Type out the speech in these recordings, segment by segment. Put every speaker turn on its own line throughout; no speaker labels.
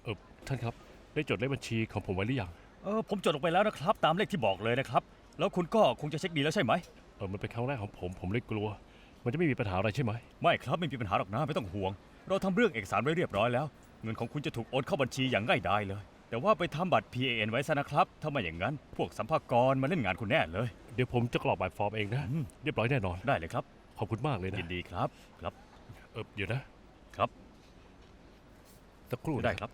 เออท่านครับได้จดเลขบัญชีของผมไว้หรือยัง
ผมจดลงไปแล้วนะครับตามเลขที่บอกเลยนะครับแล้วคุณก็คงจะเช็คดีแล้วใช่ไหม
มันเป็นครั้งแรกของผมเลยกลัวมันจะไม่มีปัญหาอะไรใช่ไหม
ไม่ครับไม่มีปัญหาหรอกนะไม่ต้องห่วงเราทำเรื่องเอกสารไว้เรียบร้อยแล้วเงินของคุณจะถูกโอนเข้าบัญชีอย่างง่ายดายเลยแต่ว่าไปทำบัตร PAN ไว้ซะนะครับถ้าไม่อย่างนั้นพวกสัมภากระมาเล่นงานคุณแน่เลย
เดี๋ยวผมจะกรอกแบบฟอร์มเองนะเรียบร้อยแน่นอน
ได้เลยครับ
ขอบคุณมากเลยนะ
ยินดีครับครับ
เดี๋ยวนะครับสักครู่นะ
ได้ครับ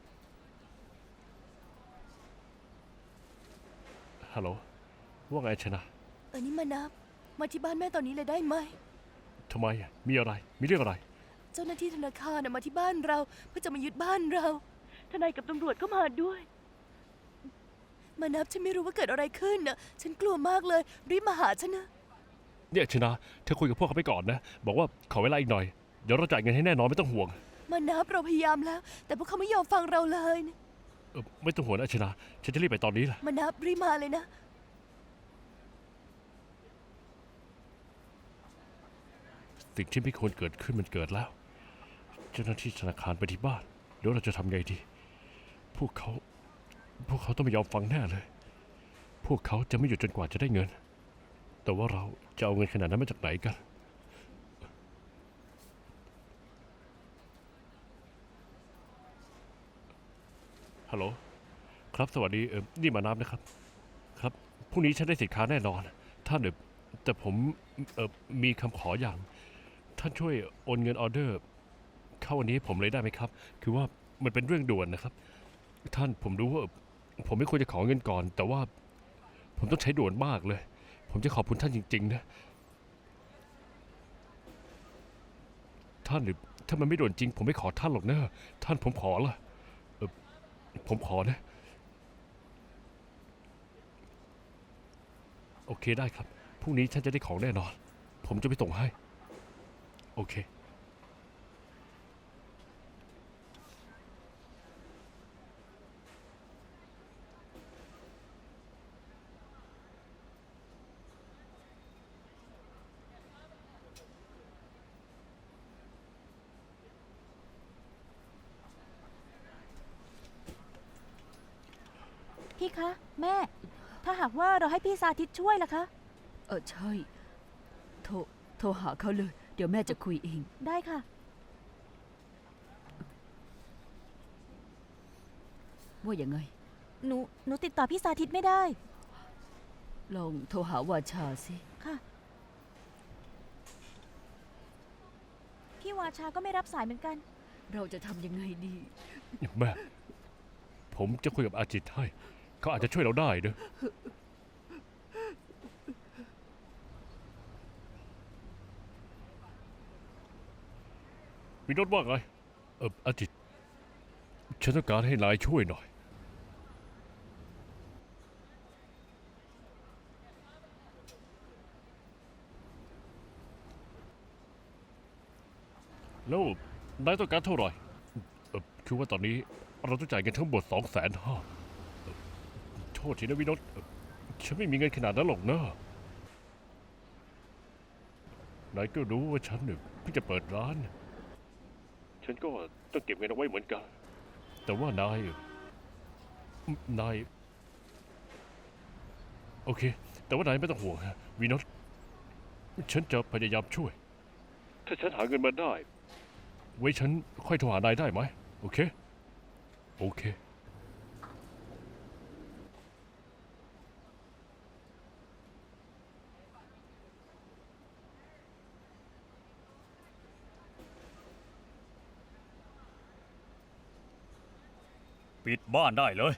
ฮัลโหลว่าไงชนะ
นี่มานับมาที่บ้านแม่ตอนนี้เลยได้ไหม
ทำไมมีอะไรมีเรื่องอะไร
เจ้าหน้าที่ธนาคารมาที่บ้านเราเพื่อจะมายึดบ้านเราทนายกับตำรวจก็มาด้วยมานับฉันไม่รู้ว่าเกิดอะไรขึ้นน่ะฉันกลัวมากเลยรีบมาหาฉันนะ
เนี่ยชนะเธอคุยกับพวกเขาไปก่อนนะบอกว่าขอเวลาอีกหน่อยเดี๋ยวเราจ่ายเงินให้แน่นอนไม่ต้องห่วง
มานับเราพยายามแล้ว แต่พวกเขาไม่ยอมฟังเราเลยนะ
ไม่ต้องห่วงนะชนะฉันจะรีบไปตอนนี้แหละ
มานับรีบมาเลยนะ
สิ่งที่ไม่ควรเกิดขึ้นมันเกิดแล้วเจ้าหน้าที่ธนาคารไปที่บ้านเดี๋ยวเราจะทำไงดีพวกเขาต้องไม่ยอมฟังแน่เลยพวกเขาจะไม่หยุดจนกว่าจะได้เงินแต่ว่าเราจะเอาเงินขนาดนั้นมาจากไหนกันฮัลโหลครับสวัสดีนี่มานับนะครับครับพรุ่งนี้ฉันได้สินค้าแน่นอนท่านแต่ผมมีคำขออย่างท่านช่วยโอนเงินออเดอร์เข้าวันนี้ผมเลยได้ไหมครับคือว่ามันเป็นเรื่องด่วนนะครับท่านผมรู้ว่าผมไม่ควรจะขอเงินก่อนแต่ว่าผมต้องใช้ด่วนมากเลยผมจะขอบคุณท่านจริงๆนะท่านหรือถ้ามันไม่ด่วนจริงผมไม่ขอท่านหรอกนะท่านผมขอละผมขอนะโอเคได้ครับพรุ่งนี้ท่านจะได้ของแน่นอนผมจะไปส่งให้โอเค
พี่คะแม่ ถ้าหากว่าเราให้พี่สาธิตช่วยล่ะคะ
ใช่โทรโทรหาเขาเลย เดี๋ยวแม่จะคุยเอง
ได้ค่ะ
ว่าอย่างไง
หนูติดต่อพี่สาธิตไม่ได้
ลองโทรหาวาชาสิ
ค่ะ พี่วาชาก็ไม่รับสายเหมือนกัน
เราจะทำยังไงดี
แม่ผมจะคุยกับอาจิตให้เขาอาจจะช่วยเราได้เนอะวินโนดว่าไงอาจิตฉันต้องการให้นายช่วยหน่อยแล้วนายต้องการเท่าไหร่คือว่าตอนนี้เราต้องจ่ายเงินทั้งหมด250,000โทษทีนะวินโนดฉันไม่มีเงินขนาดนั้นหรอกนะนายก็รู้ว่าฉันเนี่ยเพิ่งจะเปิดร้านฉันก็ต้องเก็บเงินเอาไว้เหมือนกันแต่ว่านายโอเคแต่ว่านายไม่ต้องห่วงฮะวินโนดฉันจะพยายามช่วยถ้าฉันหาเงินมาได้ไว้ฉันค่อยโทรหานายได้ไหมโอเคโอเค
ปิดบ้านได้เลย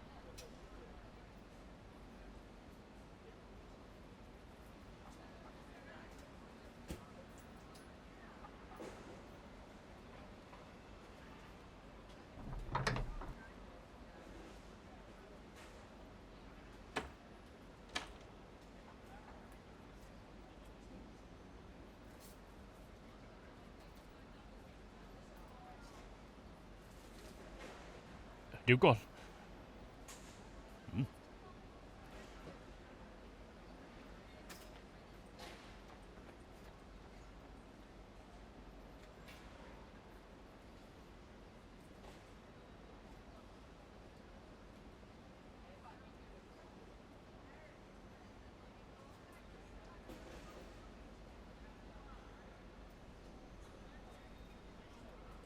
เดี๋ยวก่อน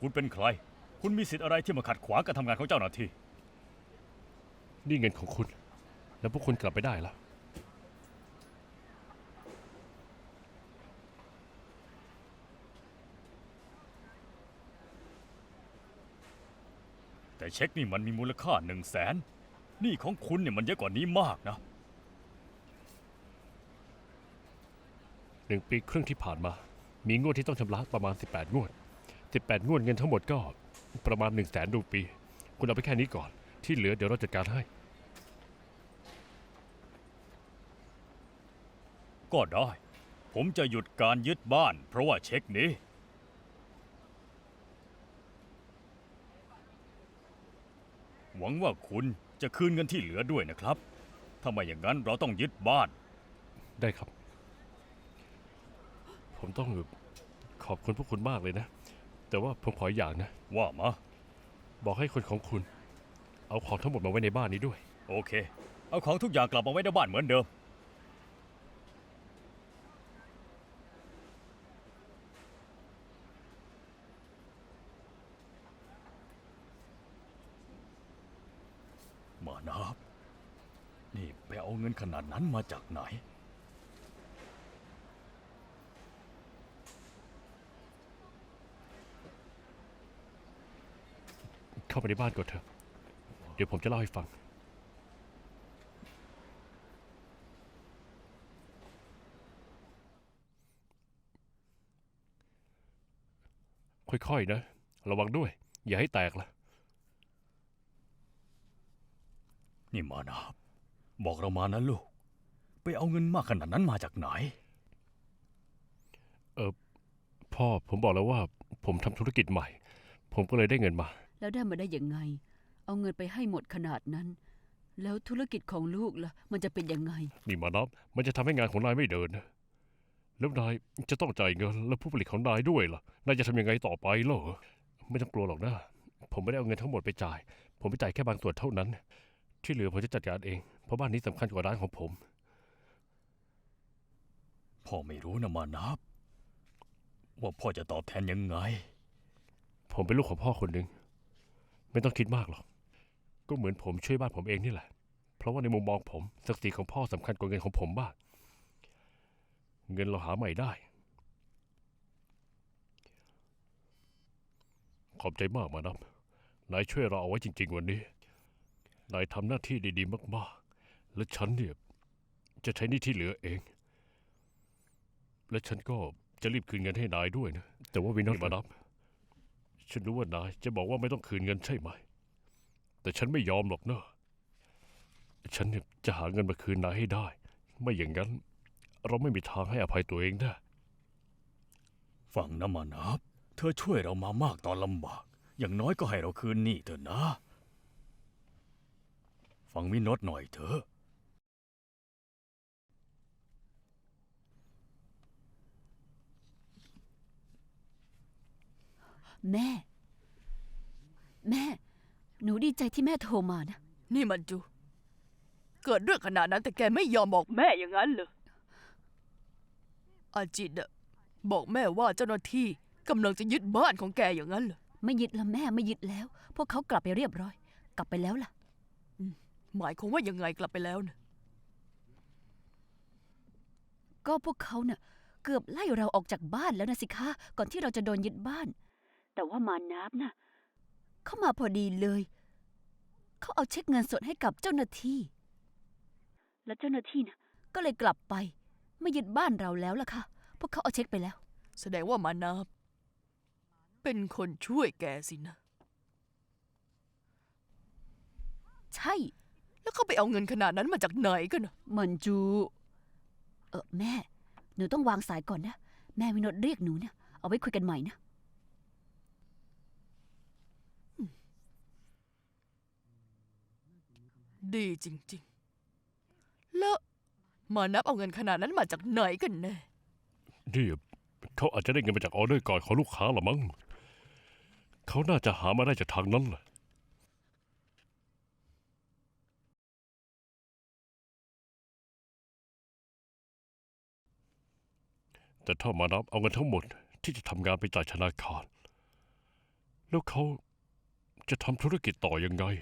คุณเป็นใคร คุณมีสิทธิ์อะไรที่มาขัดขวางการทำงานของเจ้าหน้าที่
นี่เงินของคุณ แล้วพวกคุณกลับไปได้แล้ว
แต่เช็คนี่มันมีมูลค่า100,000หนี้ของคุณเนี่ยมันเยอะกว่านี้มากนะ
1 ปีครึ่งที่ผ่านมา มีงวดที่ต้องชำระประมาณ 18 งวด 18 งวดเงินทั้งหมดก็ประมาณ 100,000 รูปี คุณเอาไปแค่นี้ก่อน ที่เหลือเดี๋ยวเราจัดการให้
ก็ได้ ผมจะหยุดการยึดบ้าน เพราะว่าเช็คนี้ หวังว่าคุณจะคืนเงินที่เหลือด้วยนะครับ ถ้าไม่อย่างนั้นเราต้องยึดบ้าน
ได้ครับ ผมต้องขอบคุณพวกคุณมากเลยนะ แต่ว่าผมขออย่างนะ
ว่ามา
บอกให้คนของคุณ เอาของทั้งหมดมาไว้ในบ้านนี้ด้วย
โอเค เอาของทุกอย่างกลับมาไว้ในบ้านเหมือนเดิม มานับ นี่ไปเอาเงินขนาดนั้นมาจากไหน
เข้าไปในบ้านก่อนเถอะ เดี๋ยวผมจะเล่าให้ฟัง ค่อยๆนะ ระวังด้วย อย่าให้แตกล่ะ
นี่มานับ บอกเรามานะลูก ไปเอาเงินมากขนาดนั้นมาจากไหน
พ่อผมบอกแล้วว่าผมทำธุรกิจใหม่ ผมก็เลยได้เงินมา
แล้วได้มาได้ยังไง เอาเงินไปให้หมดขนาดนั้น แล้วธุรกิจของลูกล่ะ มันจะเป็นยังไง
นี่มานับ มันจะทำให้งานของนายไม่เดินนะ แล้วนายจะต้องจ่ายเงินแล้วผู้ผลิตของนายด้วยล่ะ นายจะทำยังไงต่อไปเหรอ ไม่ต้องกลัวหรอกนะ ผมไม่ได้เอาเงินทั้งหมดไปจ่าย ผมไปจ่ายแค่บางส่วนเท่านั้น ที่เหลือผมจะจัดการเอง เพราะบ้านนี้สำคัญกว่าร้านของผม
พ่อไม่รู้นะมานับ ว่าพ่อจะตอบแทนยังไง
ผมเป็นลูกของพ่อคนหนึ่ง ไม่ต้องคิดมากหรอก ก็เหมือนผมช่วยบ้านผมเองนี่แหละ เพราะว่าในมุมมองผมศักดิ์ศรีของพ่อสำคัญกว่าเงินของผมมาก เงินเราหาใหม่ได้ ขอบใจมากมานับนายช่วยเราเอาไว้จริงๆวันนี้ นายทำหน้าที่ดีๆมากๆ และฉันเนี่ยจะใช้หนี่ที่เหลือเอง และฉันก็จะรีบคืนเงินให้นายด้วยนะ แต่ว่าวินอตมานับ ฉันรู้ว่านายจะบอกว่าไม่ต้องคืนเงินใช่ไหม แต่ฉันไม่ยอมหรอกเนอะ ฉันเนี่ยจะหาเงินมาคืนนายให้ได้ ไม่อย่างนั้น เราไม่มีทางให้อภัยตัวเองได้
ฟังนะมานับ เธอช่วยเรามามากตอนลำบาก อย่างน้อยก็ให้เราคืนหนี้เถอะนะ ฟังวินอตหน่อยเถอะ
แม่ แม่ หนูดีใจที่แม่โทรมานะ
นี่มันจู เกิดเรื่องขนาดนั้นแต่แกไม่ยอมบอกแม่อย่างนั้นเหรออาจิตอะบอกแม่ว่าเจ้าหน้าที่กำลังจะยึดบ้านของแกอย่างนั้นเหรอ
ไม่ยึดละแม่ไม่ยึดแล้ว พวกเขากลับไปเรียบร้อย กลับไปแล้วล่ะ
หมายความว่ายังไงกลับไปแล้วนะ
ก็พวกเขาเน่ะเกือบไล่เราออกจากบ้านแล้วนะสิคะ ก่อนที่เราจะโดนยึดบ้าน แต่ว่ามานับน่ะเขามาพอดีเลย เขาเอาเช็คเงินสดให้กับเจ้าหน้าที่ และเจ้าหน้าที่น่ะก็เลยกลับไป ไม่ยึดบ้านเราแล้วล่ะค่ะ พวกเขาเอาเช็คไปแล้ว
แสดงว่ามานาบเป็นคนช่วยแกสินะ
ใช่
แล้วเขาไปเอาเงินขนาดนั้นมาจากไหนกันนะ
มันจูแม่ หนูต้องวางสายก่อนนะ แม่วินดเรียกหนูเนี่ย เอาไว้คุยกันใหม่นะ
ดีจริงๆ แล้วมานับเอาเงินขนาดนั้นมาจากไหนกันแน่
นี่เขาอาจจะได้เงินมาจากออเดอร์ก่อนของลูกค้าหรอมั้ง เขาน่าจะหามาได้จากทางนั้นแหละ แต่ถ้ามานับเอาเงินทั้งหมดที่จะทำงานไปจ่ายธนาคารแล้วเขาจะทำธุรกิจต่อยังไง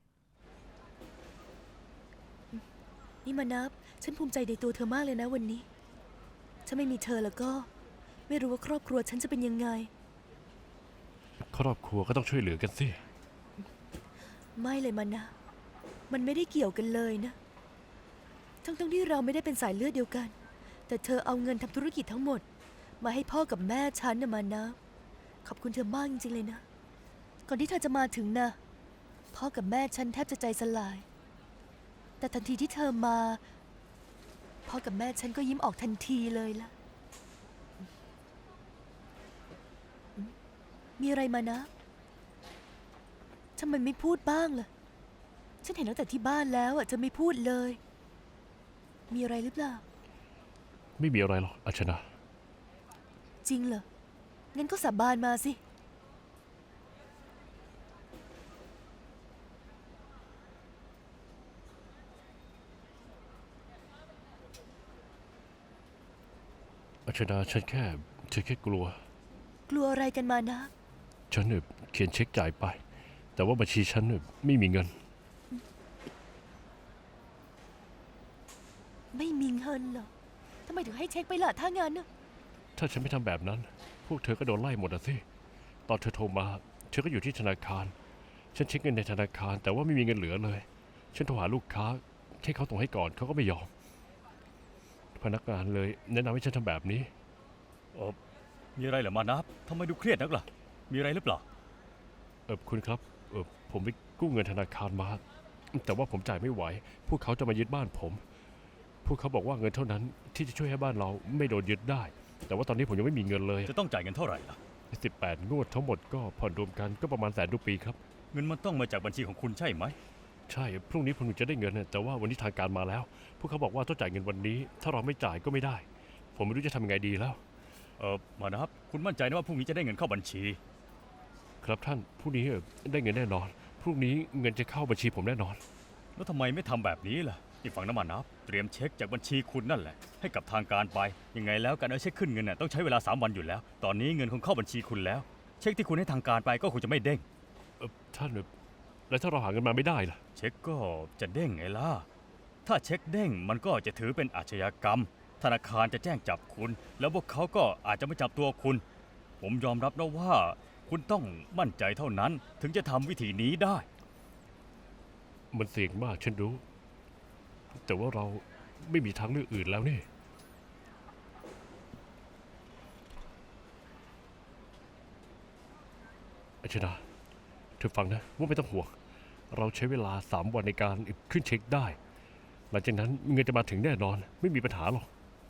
นี่มานับ ฉันภูมิใจในตัวเธอมากเลยนะวันนี้ ถ้าไม่มีเธอแล้วก็ ไม่รู้ว่าครอบครัวฉันจะเป็นยังไง
ครอบครัวก็ต้องช่วยเหลือกันสิ
ไม่เลยมานะ มันไม่ได้เกี่ยวกันเลยนะ ทั้งที่เราไม่ได้เป็นสายเลือดเดียวกัน แต่เธอเอาเงินทำธุรกิจทั้งหมด มาให้พ่อกับแม่ฉันนะมานะ ขอบคุณเธอมากจริงๆเลยนะ ก่อนที่เธอจะมาถึงนะพ่อกับแม่ฉันแทบจะใจสลาย แต่ทันทีที่เธอมา พ่อกับแม่ฉันก็ยิ้มออกทันทีเลยล่ะ มีอะไรมานะทำไมไม่พูดบ้างล่ะ ฉันเห็นตั้งแต่ที่บ้านแล้วอ่ะเธอไม่พูดเลย มีอะไรหรือเปล่า
ไม่มีอะไรหรอกอัชนา
จริงเหรอ งั้นก็สาบานมาสิ
อัชนาฉันแค่กลัว
กลัวอะไรกันมานะ
ฉันเนี่ยเขียนเช็คจ่ายไป แต่ว่าบัญชีฉันเนี่ยไม่มีเงิน
ไม่มีเงินเหรอทำไมถึงให้เช็คไปล่ะถ้างั้นน่ะ
ถ้าฉันไม่ทำแบบนั้น พวกเธอก็โดนไล่หมดอะสิ ตอนเธอโทรมา เธอก็อยู่ที่ธนาคาร ฉันเช็คเงินในธนาคาร แต่ว่าไม่มีเงินเหลือเลย ฉันโทรหาลูกค้าให้เขาส่งให้ก่อนเขาก็ไม่ยอม พนักงานเลยแนะนำให้ฉันทำแบบนี้
มีอะไรเหรอมานับทำไมดูเครียดนักล่ะ มีอะไรหรือเปล่า
คุณครับ ผมไปกู้เงินธนาคารมา แต่ว่าผมจ่ายไม่ไหว พวกเขาจะมายึดบ้านผม พวกเขาบอกว่าเงินเท่านั้นที่จะช่วยให้บ้านเราไม่โดนยึดได้ แต่ว่าตอนนี้ผมยังไม่มีเงินเลย
จะต้องจ่ายเงินเท่าไหร่ล่ะ
18 งวดทั้งหมดก็ผ่อนรวมกันก็ประมาณแสนรูปีครับ
เงินมันต้องมาจากบัญชีของคุณใช่ไหม
ใช่ พรุ่งนี้ผมถึงจะได้เงินน่ะแต่ว่าวันนี้ทางการมาแล้ว พวกเขาบอกว่าต้องจ่ายเงินวันนี้ ถ้าเราไม่จ่ายก็ไม่ได้ ผมไม่รู้จะทำยังไงดีแล้ว
มานับ คุณมั่นใจนะว่าพรุ่งนี้จะได้เงินเข้าบัญชี
ครับท่าน พรุ่งนี้ได้เงินแน่นอน พรุ่งนี้เงินจะเข้าบัญชีผมแน่นอน
แล้วทำไมไม่ทำแบบนี้ล่ะอีกฝั่งน้ำมันนับ เตรียมเช็คจากบัญชีคุณนั่นแหละ ให้กับทางการไป ยังไงแล้วการเอาเช็คขึ้นเงินน่ะต้องใช้เวลา 3 วันอยู่แล้ว ตอนนี้เงินคงเข้าบัญชีคุณแล้ว เช็คที่คุณให้ทางการไปก็คงจะไม่เด้ง
ท่านแล้วถ้าเราหาเงินมาไม่ได้ล่ะ
เช็คก็จะเด้งไงล่ะ ถ้าเช็คเด้งมันก็จะถือเป็นอาชญากรรม ธนาคารจะแจ้งจับคุณ แล้วพวกเขาก็อาจจะไม่จับตัวคุณ ผมยอมรับนะว่า คุณต้องมั่นใจเท่านั้นถึงจะทำวิธีนี้ได้
มันเสี่ยงมากฉันรู้ แต่ว่าเราไม่มีทางเลือกอื่นแล้วนี่ อาชนาเธอฟังนะว่าไม่ต้องห่วง เราใช้เวลา 3 วันในการขึ้นเช็คได้ หลังจากนั้นเงินจะมาถึงแน่นอน ไม่มีปัญหาหรอก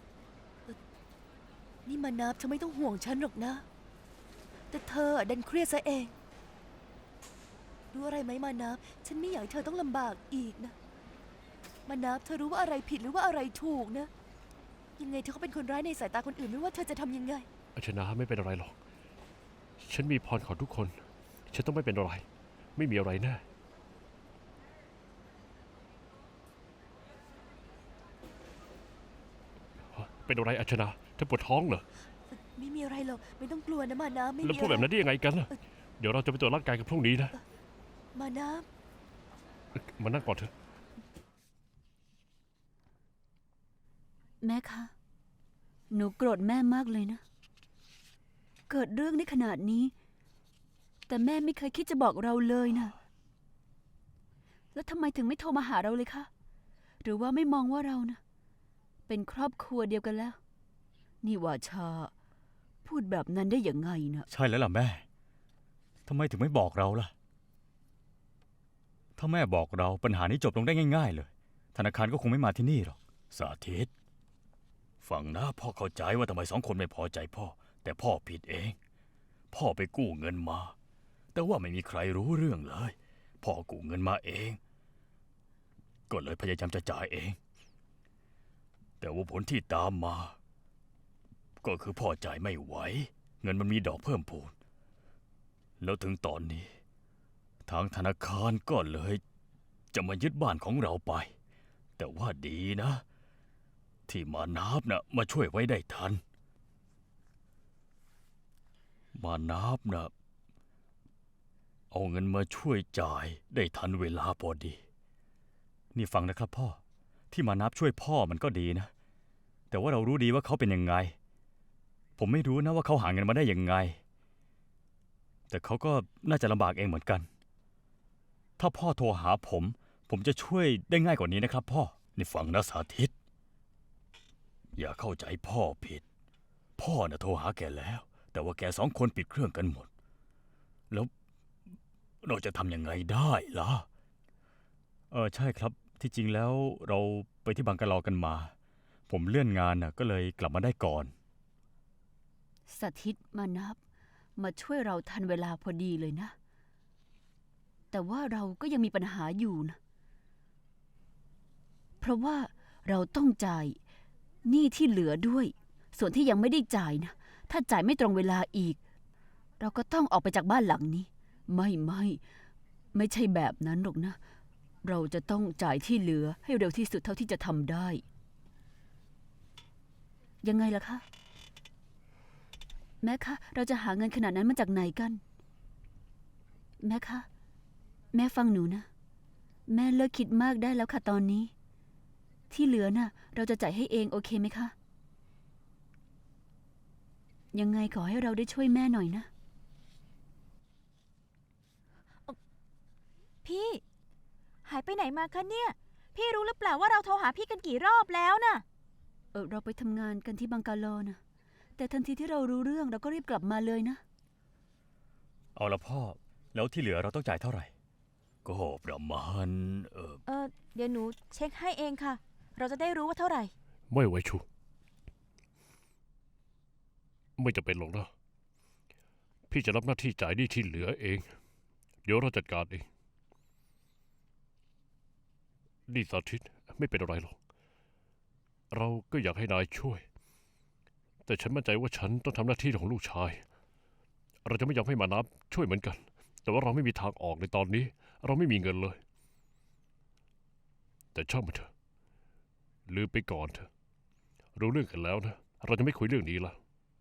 นี่มานับเธอไม่ต้องห่วงฉันหรอกนะ แต่เธอดันเครียดซะเองรู้อะไรไหมมานับ ฉันไม่อยากให้เธอต้องลำบากอีกนะ มานับเธอรู้ว่าอะไรผิดหรือว่าอะไรถูกนะ ยังไงเธอก็เป็นคนร้ายในสายตาคนอื่นไม่ว่าเธอจะทำยังไง
อาชนาไม่เป็นอะไรหรอก ฉันมีพรของทุกคน ฉันต้องไม่เป็นอะไร ไม่มีอะไรแน่ เป็นอะไรอาชนาเธอปวดท้องเหรอ
ไม่มีอะไรหรอก ไม่ต้องกลัวนะมานับไม่
แล้ว
มี
พูด
อะ
แบบ
ไร
นั้นได้ยังไงกันล่ะ เดี๋ยวเราจะไปตรวจร่างกายกันพรุ่งนี้นะ
มานับ
มานั่งก่อนเถอะ
แม่คะ หนูโกรธแม่มากเลยนะ เกิดเรื่องในขนาดนี้ แต่แม่ไม่เคยคิดจะบอกเราเลยนะ แล้วทำไมถึงไม่โทรมาหาเราเลยคะ หรือว่าไม่มองว่าเรานะเป็นครอบครัวเดียวกันแล้ว นี่ว่าชา พูดแบบนั้นได้ยังไงนะ
ใช่แล้วล่ะแม่ ทำไมถึงไม่บอกเราล่ะ ถ้าแม่บอกเราปัญหานี้จบลงได้ง่ายๆเลย ธนาคารก็คงไม่มาที่นี่หรอก สาธิต ฟังนะพ่อเข้าใจว่าทำไม2 คนไม่พอใจพ่อ แต่พ่อผิดเอง พ่อไปกู้เงินมา แต่ว่าไม่มีใครรู้เรื่องเลย พ่อกู้เงินมาเอง ก็เลยพยายามจะจ่ายเอง แต่ว่าผลที่ตามมา ก็คือพ่อจ่ายไม่ไหว เงินมันมีดอกเพิ่มพูน แล้วถึงตอนนี้ ทางธนาคารก็เลยจะมายึดบ้านของเราไป แต่ว่าดีนะ ที่มานับนะมาช่วยไว้ได้ทัน มานับนะเอาเงินมาช่วยจ่ายได้ทันเวลาพอดี นี่ฟังนะครับพ่อ ที่มานับช่วยพ่อมันก็ดีนะ แต่ว่าเรารู้ดีว่าเขาเป็นยังไง ผมไม่รู้นะว่าเขาหาเงินมาได้ยังไง แต่เขาก็น่าจะลำบากเองเหมือนกัน ถ้าพ่อโทรหาผมจะช่วยได้ง่ายกว่านี้นะครับพ่อ นี่ฟังนะสาธิต อย่าเข้าใจพ่อผิด พ่อน่ะโทรหาแกแล้ว แต่ว่าแก2 คนปิดเครื่องกันหมด แล้วเราจะทำยังไงได้ล่ะ ใช่ครับ ที่จริงแล้วเราไปที่บังกะลอกันมา ผมเลื่อนงานน่ะก็เลยกลับมาได้ก่อน
สถิตมานับ มาช่วยเราทันเวลาพอดีเลยนะ แต่ว่าเราก็ยังมีปัญหาอยู่นะ เพราะว่าเราต้องจ่ายหนี้ที่เหลือด้วย ส่วนที่ยังไม่ได้จ่ายนะ ถ้าจ่ายไม่ตรงเวลาอีก เราก็ต้องออกไปจากบ้านหลังนี้ ไม่ใช่แบบนั้นหรอกนะ เราจะต้องจ่ายที่เหลือให้เร็วที่สุดเท่าที่จะทำได้ ยังไงล่ะคะ แม่คะ เราจะหาเงินขนาดนั้นมาจากไหนกัน แม่คะ แม่ฟังหนูนะ แม่เลิกคิดมากได้แล้วค่ะตอนนี้ ที่เหลือน่ะ เราจะจ่ายให้เองโอเคไหมคะ ยังไงขอให้เราได้ช่วยแม่หน่อยนะ
พี่ หายไปไหนมาคะเนี่ย พี่รู้หรือเปล่าว่าเราโทรหาพี่กันกี่รอบแล้วน่ะ
เราไปทำงานกันที่บังกาโลนะ แต่ทันทีที่เรารู้เรื่องเราก็รีบกลับมาเลยนะ
เอาละพ่อ แล้วที่เหลือเราต้องจ่ายเท่าไหร่ ก็ประมาณ
เดี๋ยวหนูเช็คให้เองค่ะ เราจะได้รู้ว่าเท่าไหร่
ไม่ไหวชู ไม่จะเป็นหรอกนะ พี่จะรับหน้าที่จ่ายหนี้ที่เหลือเอง เดี๋ยวเราจัดการเอง นี่สาธิตไม่เป็นอะไรหรอก เราก็อยากให้นายช่วย แต่ฉันมั่นใจว่าฉันต้องทำหน้าที่ของลูกชาย เราจะไม่ยอมให้มานับช่วยเหมือนกัน แต่ว่าเราไม่มีทางออกในตอนนี้ เราไม่มีเงินเลย แต่ช่างมันเถอะ ลืมไปก่อนเถอะ รู้เรื่องกันแล้วนะ เราจะไม่คุยเรื่องนี้ละ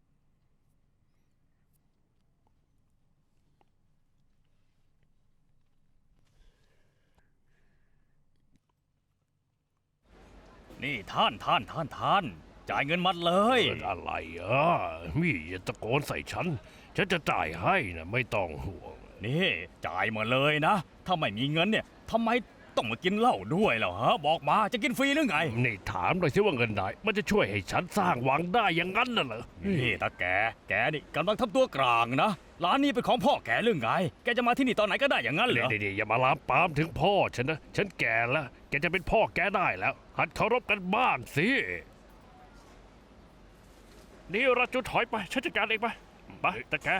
นี่ท่านจ่ายเงินมัดเลย
อะไรมี่อย่าตะโกนใส่ฉัน ฉันจะจ่ายให้นะไม่ต้องห่วง
นี่จ่ายมาเลยนะ ถ้าไม่มีเงินเนี่ยทำไมต้องมากินเหล้าด้วยล่ะฮะ บอกมาจะกินฟรีหรือไง
นี่ถามหน่อยสิว่าเงินไหนมันจะช่วยให้ฉันสร้างวังได้อย่างนั้นน่ะเหรอ
นี่ตาแกนี่กำลังทำตัวกลางนะ ร้านนี้เป็นของพ่อแกหรือไง แกจะมาที่นี่ตอนไหนก็ได้อย่างนั้นเหรอ
เดี๋ยวอย่ามาลามปามถึงพ่อฉันนะ ฉันแก่แล้ว แกจะเป็นพ่อแกได้แล้ว หัดเคารพกันบ้างสิ นี่ราจุถอยไป ฉันจัดการเองไปแต่แก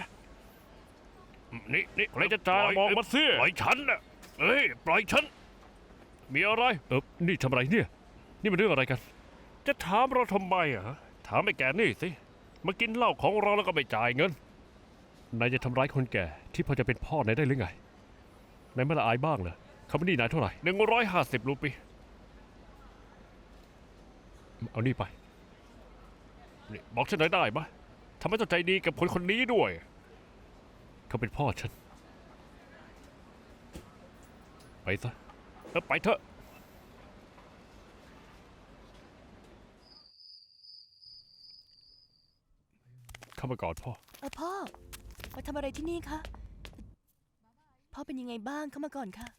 นี่ใครจะจ่ายมองมาสิปล่อยฉันนะปล่อยฉัน มีอะไร นี่ทำอะไรเนี่ย นี่มันเรื่องอะไรกัน จะถามเราทำไมถามไอ้แกนี่สิ มากินเหล้าของเราแล้วก็ไม่จ่ายเงิน นายจะทำร้ายคนแก่ที่พอจะเป็นพ่อนายได้หรือไง นายไม่ละอายบ้างเหรอเขาไม่หนี้นายเท่าไหร่150 รูปี เอานี่ไป นี่บอกฉันหน่อยได้ไหมทำไมต้องใจดีกับคนคนนี้ด้วย เขาเป็นพ่อฉัน ไปซะไปเถอะ เข้ามาก่อนพ่อ
พ่อ มาทำอะไรที่นี่คะ พ่อเป็นยังไงบ้างเข้ามาก่อนค่ะ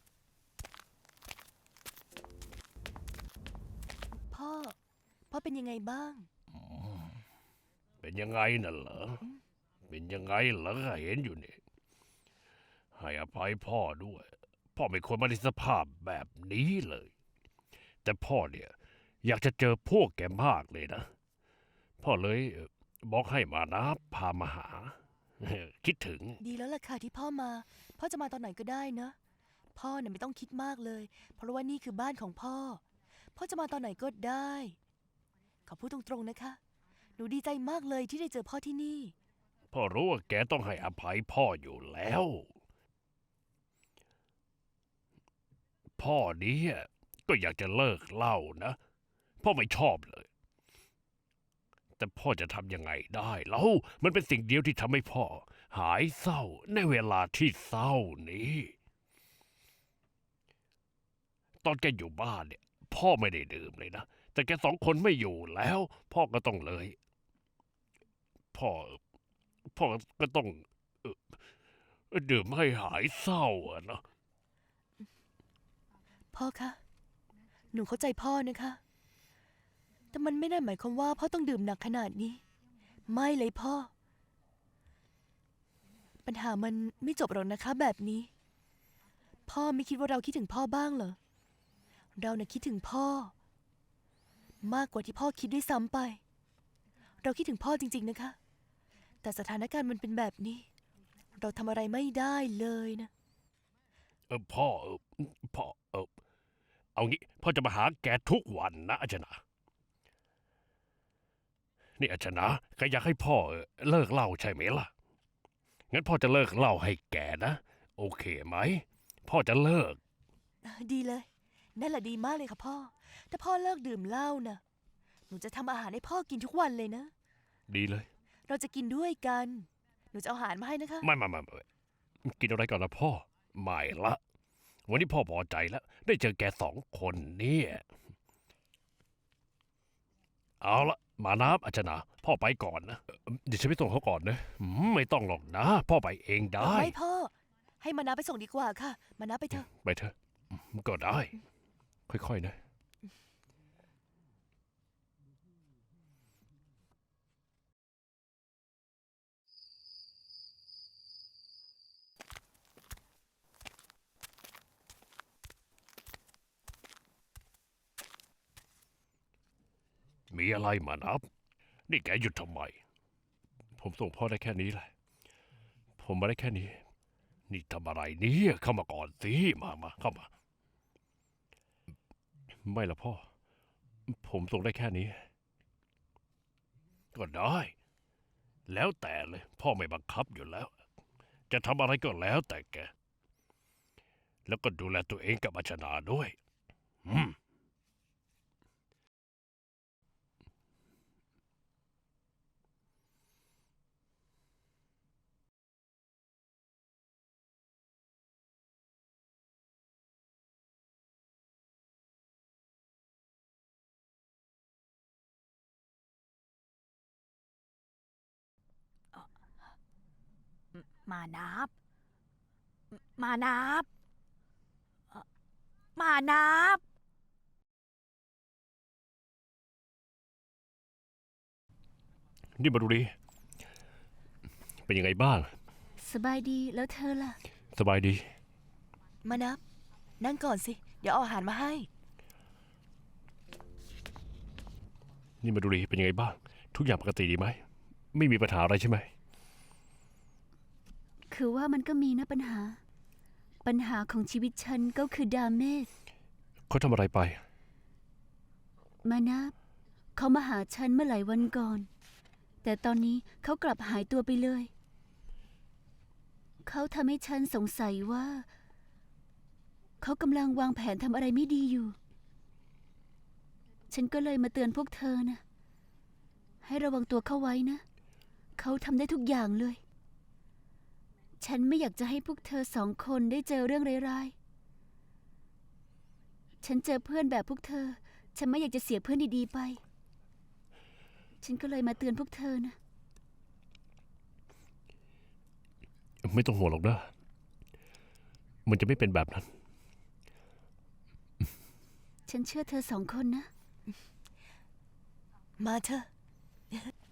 พ่อเป็นยังไงบ้าง
เป็นยังไงน่ะเหรอ เป็นยังไงเหรอเห็นอยู่นี่ ให้อภัยพ่อด้วย พ่อไม่ควรมาในสภาพแบบนี้เลย แต่พ่อเนี่ยอยากจะเจอพวกแกมากเลยนะ พ่อเลยบอกให้มานะพามาหา คิดถึง
ดีแล้วล่ะค่ะที่พ่อมา พ่อจะมาตอนไหนก็ได้นะ พ่อเนี่ยไม่ต้องคิดมากเลย เพราะว่านี่คือบ้านของพ่อ พ่อจะมาตอนไหนก็ได้ ขอพูดตรงๆนะคะ หนูดีใจมากเลยที่ได้เจอพ่อที่นี่
พ่อรู้ว่าแกต้องให้อภัยพ่ออยู่แล้ว พ่อเนี่ยก็อยากจะเลิกเหล้านะ พ่อไม่ชอบเลย แต่พ่อจะทำยังไงได้เล่ามันเป็นสิ่งเดียวที่ทำให้พ่อหายเศร้าในเวลาที่เศร้านี้ ตอนแกอยู่บ้านเนี่ย พ่อไม่ได้ดื่มเลยนะ แต่แกสองคนไม่อยู่แล้ว พ่อก็ต้องเลย พ่อ พ่อก็ต้องเอ่อดื่มให้หายเศร้าอะนะ
พ่อคะ หนูเข้าใจพ่อนะคะ แต่มันไม่ได้หมายความว่าพ่อต้องดื่มหนักขนาดนี้ ไม่เลยพ่อ ปัญหามันไม่จบหรอกนะคะแบบนี้ พ่อไม่คิดว่าเราคิดถึงพ่อบ้างเหรอ เราน่ะคิดถึงพ่อ มากกว่าที่พ่อคิดด้วยซ้ำไป เราคิดถึงพ่อจริงๆนะคะ แต่สถานการณ์มันเป็นแบบนี้ เราทำอะไรไม่ได้เลยนะ
พ่อพ่อเอางี้พ่อจะมาหาแกทุกวันนะอาจารย์นี่อาจารย์แกอยากให้พ่อเลิกเหล้าใช่ไหมล่ะ งั้นพ่อจะเลิกเหล้าให้แกนะ โอเคไหม พ่อจะเลิก
ดีเลย นั่นแหละดีมากเลยค่ะพ่อ ถ้าพ่อเลิกดื่มเหล้านะหนูจะทำอาหารให้พ่อกินทุกวันเลยนะ
ดีเลย
เราจะกินด้วยกัน หนูจะเอาอาหารมาให้นะคะ
ไม่กินอะไรก่อนนะพ่อ ไม่ละ วันนี้พ่อพอใจแล้ว ได้เจอแกสองคนเนี่ย เอาละมานับอาจารย์พ่อไปก่อนนะเดี๋ยวฉันไปส่งเขาก่อนนะไม่ต้องหรอกนะ พ่อไปเองได้
ไม่พ่อ ให้มานาไปส่งดีกว่าค่ะ มานาไปเถอะ
ไปเถอะก็ได้ ค่อยๆนะ มีอะไรมานับ นี่แกหยุดทำไม ผมส่งพ่อได้แค่นี้แหละ ผมมาได้แค่นี้ นี่ทำอะไรเนี่ยเข้ามาก่อนสิมาเข้ามา ไม่ละพ่อ ผมส่งได้แค่นี้ ก็ได้ แล้วแต่เลย พ่อไม่บังคับอยู่แล้ว จะทำอะไรก็แล้วแต่แก แล้วก็ดูแลตัวเองกับอาชนาด้วย อืม
มานับ มานับ มานับ
นี่มาดูดิ เป็นยังไงบ้าง
สบายดีแล้วเธอล่ะ
สบายดี
มานับ นั่งก่อนสิ เดี๋ยวเอาอาหารมาให้
นี่มาดูดิ เป็นยังไงบ้าง ทุกอย่างปกติดีไหม ไม่มีปัญหาอะไรใช่ไหม
คือว่ามันก็มีนะปัญหา ปัญหาของชีวิตฉันก็คือดาเมจ
เขาทำอะไรไป
มานับเขามาหาฉันเมื่อหลายวันก่อน แต่ตอนนี้เขากลับหายตัวไปเลย เขาทำให้ฉันสงสัยว่า เขากำลังวางแผนทำอะไรไม่ดีอยู่ ฉันก็เลยมาเตือนพวกเธอนะให้ระวังตัวเข้าไว้นะ เขาทำได้ทุกอย่างเลย ฉันไม่อยากจะให้พวกเธอสองคนได้เจอเรื่องร้ายๆ ฉันเจอเพื่อนแบบพวกเธอ ฉันไม่อยากจะเสียเพื่อนดีๆไป ฉันก็เลยมาเตือนพวกเธอนะ
ไม่ต้องห่วงหรอกนะ มันจะไม่เป็นแบบนั้น
ฉันเชื่อเธอสองคนนะ
มาเถอะ